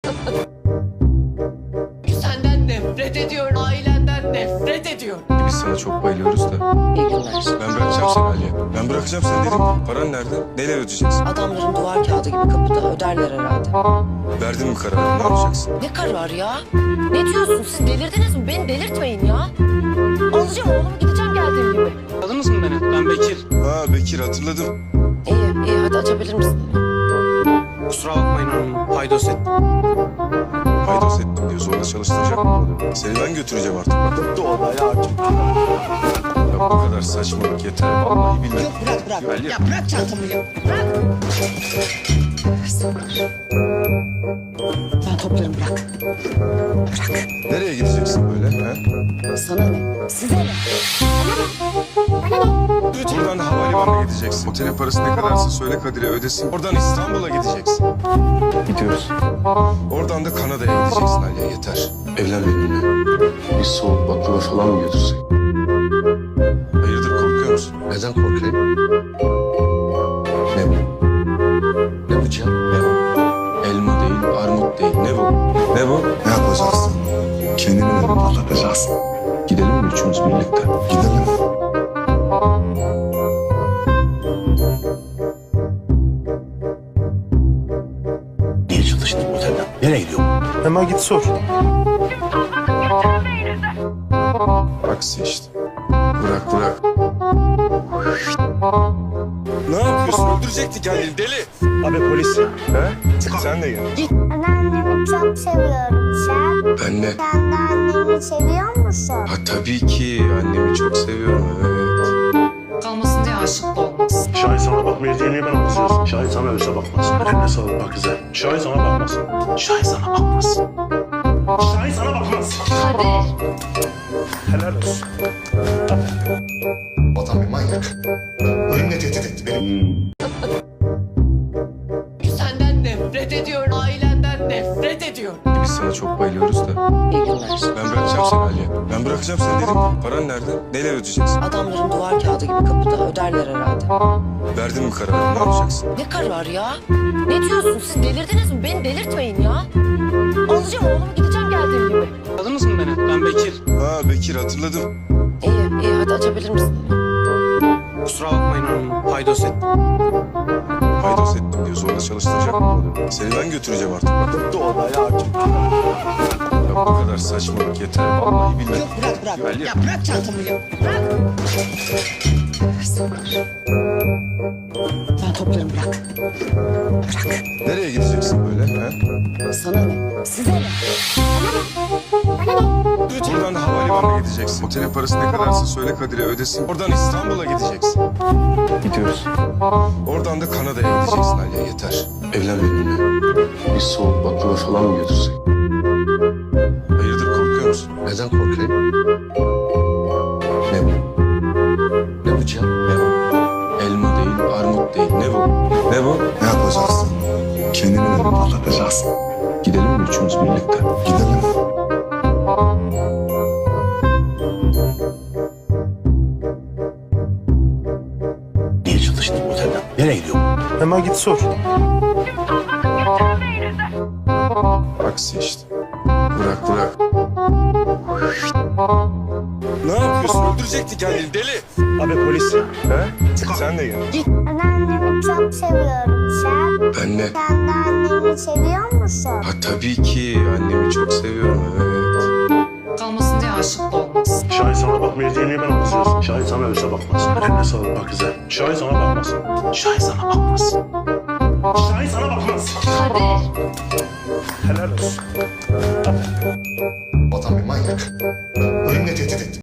Senden nefret ediyorum. Ailenden nefret ediyorum. Biz sana çok bayılıyoruz da. İyi günler. Ben bırakacağım seni Aliye. Ben bırakacağım seni dedim. Paran nerede? Neyle ödeyeceksin? Adamların duvar kağıdı gibi kapıda öderler herhalde. Verdin mi kararını? Ne yapacaksın? Ne karar ya? Ne diyorsun siz, delirdiniz mi? Beni delirtmeyin ya. Alacağım oğlumu, gideceğim geldiğim gibi. Tanıdınız mı beni? Ben Bekir. Ha Bekir hatırladım. İyi hadi açabilir misin? Kusura bakmayın hanım. Paydos ettim. Paydos ettim diyor. Zorla çalıştıracak mı bunu? Seni ben götüreceğim artık. Ya bu kadar saçmalık yeter. Vallahi billahi. Yok bırak. Ali. Ya bırak çantamı ya. Bırak. Sabır. Ben toplarım, bırak. Bırak. Nereye gideceksin böyle? Ha? Sana ne? Size ne? Buradan havalimanına gideceksin. Otelin parası ne kadarsa söyle Kadir'e ödesin. Oradan İstanbul'a gideceksin. Gidiyoruz. Oradan da Kanada'ya gideceksin Aliye, yeter. Evlen benimle. Bir soğuk baklava falan mı götürsek? Hayırdır, korkuyor musun? Neden korkayım? Ne bu? Ne bu Cihan? Ne bu? Elma değil, armut değil. Ne bu? Ne bu? Ne yapacaksın? Kendini mi patlatacaksın? Gidelim mi üçümüz birlikte? Gidelim. Niye çalıştın bu otelden? Nereye gidiyor? Hemen git sor. Aksi işte. Bırak. Ne yapıyorsun? Öldürecektik kendini deli. Abi polis. He? Sen de gel. Ben annemi çok seviyorum sen. Ben de. Sen de annemi seviyor musun? Ha tabii ki. Annemi çok seviyorum. Evet. Kalmasın diye aşık da olmaz. Şahin sana bakmayacağını ben anlatıyorsun. Şahin sana ölse bakmaz. Eline sağlık bak güzel. Şahin sana bakmaz. Şahin sana bakmaz. Şahin sana bakmaz. Helal olsun. Adam bir manyak. Ölümle tehdit etti beni. Senden nefret ediyorum. Ailenden nefret ediyorum. Biz sana çok bayılıyoruz da. İyi günler. Ben bırakacağım seni Aliye. Ben bırakacağım seni dedim. Paran nerede? Neyle ödeyeceksin? Adamların duvar kağıdı gibi kapıda öderler herhalde. Verdin mi kararını? Ne yapacaksın? Ne karar ya? Ne diyorsun siz, delirdiniz mi? Beni delirtmeyin ya. Alacağım oğlumu, gideceğim geldiğim gibi. Tanıdınız mı beni? Ben Bekir. Ha Bekir hatırladım. İyi hadi açabilir misin? Kusura bakmayın hanım. Paydos ettim. Paydos ettim diyor. Zorla çalıştıracak mı bunu? Seni ben götüreceğim artık. Ya bu kadar saçmalık yeter. Vallahi billahi. Yok bırak. Ali. Ya bırak çantamı ya. Bırak. Sabır. Ben toplarım, bırak. Bırak. Nereye gideceksin böyle? Ha? Sana ne? Size ne? Buradan havalimanına gideceksin. Otelin parası ne kadarsa söyle Kadir'e ödesin. Oradan İstanbul'a gideceksin. Gidiyoruz. Oradan da Kanada'ya gideceksin Aliye, yeter. Evlen benimle. Bir soğuk baklava falan mı götürsek? Hayırdır, korkuyor musun? Neden korkayım? Ne bu? Ne bu Cihan? Ne bu? Elma değil, armut değil. Ne bu? Ne bu? Ne yapacaksın? Kendini mi patlatacaksın? Gidelim mi üçümüz birlikte? Gidelim. Niye çalıştın bu otelden? Nereye gidiyor? Hemen git sor. Aksi işte. Bırak. Ne yapıyorsun? Öldürecektik kendini deli. Abi polis. He? Sen de gel. Ben annemi çok seviyorum sen. Ben de. Sen de annemi seviyor musun? Ha tabii ki. Annemi çok seviyorum. Evet. Kalmasın diye aşık da olmaz. Şahin sana bakmayacağını ben anlatıyorsun. Şahin sana ölse bakmaz. Eline sağlık bak güzel. Şahin sana bakmaz. Şahin sana bakmaz. Şahin sana bakmaz. Helal olsun. Adam bir manyak. Ölümle tehdit etti.